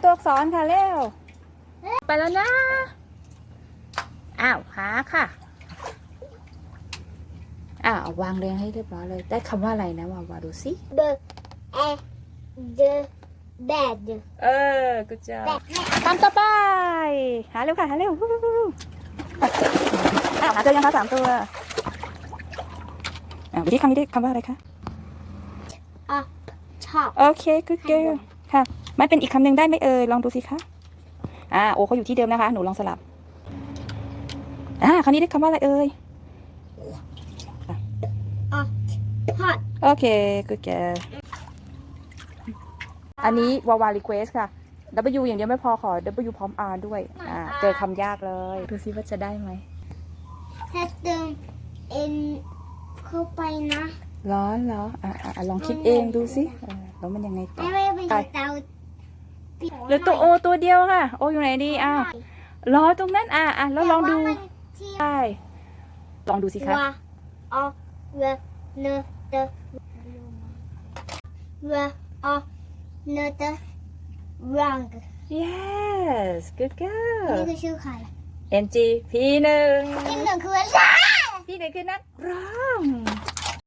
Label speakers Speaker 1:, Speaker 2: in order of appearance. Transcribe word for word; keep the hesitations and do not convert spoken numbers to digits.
Speaker 1: ตัวอักษรค่ะเร็วไปแล้วนะอ้าวหาค่ะอ้าววางเรียงให้เรียบร้อยเลยได้คำว่าอะไรนะวาวาดูสิ
Speaker 2: B E D bed
Speaker 1: เออกูจะคำต่อไปหาเร็วค่ะหาเร็วอ้าวหาเจอยังคะสามตัวอ่าวิธีคำนี้ได้คำว่าอะไรคะ
Speaker 2: up top
Speaker 1: โอเค good girl ค่ะมันเป็นอีกคำหนึ่งได้ไหมเอ่ยลองดูสิคะอ่าโอเขาอยู่ที่เดิมนะคะหนูลองสลับอ่าคราวนี้ได้คำว่าอะไรเอ่ย
Speaker 2: up hot
Speaker 1: โอเค good girl อันนี้วาวา request ค่ะ W อย่างเดียวไม่พอขอ W พร้อม R ด้วยอ่าเจอคำยากเลยดูสิว่าจะได้ไหม
Speaker 2: ถ้าเติม N เข้าไปนะ
Speaker 1: ร้อนเหรออ่าอ่าลองคิดเองดูสิอ่าแล้วมันยังไงต่อ
Speaker 2: ไม่ไม่ไปเตา
Speaker 1: หรือตัวโอตัวเดียวค่ะโออยู่ไหนดีอ้าวรอตรงนั้นอ่าอ่าแล้วลองดูใช่ลองดูสิคะ
Speaker 2: ว่าอเวเนเตเวอเนเตรัง
Speaker 1: yes good
Speaker 2: นี่
Speaker 1: girl
Speaker 2: คือชื่อใคร
Speaker 1: N G พี่หนึ่ง
Speaker 2: ที่หนึ่งคืออะไร
Speaker 1: พี่หนึ่งคือนักร้อง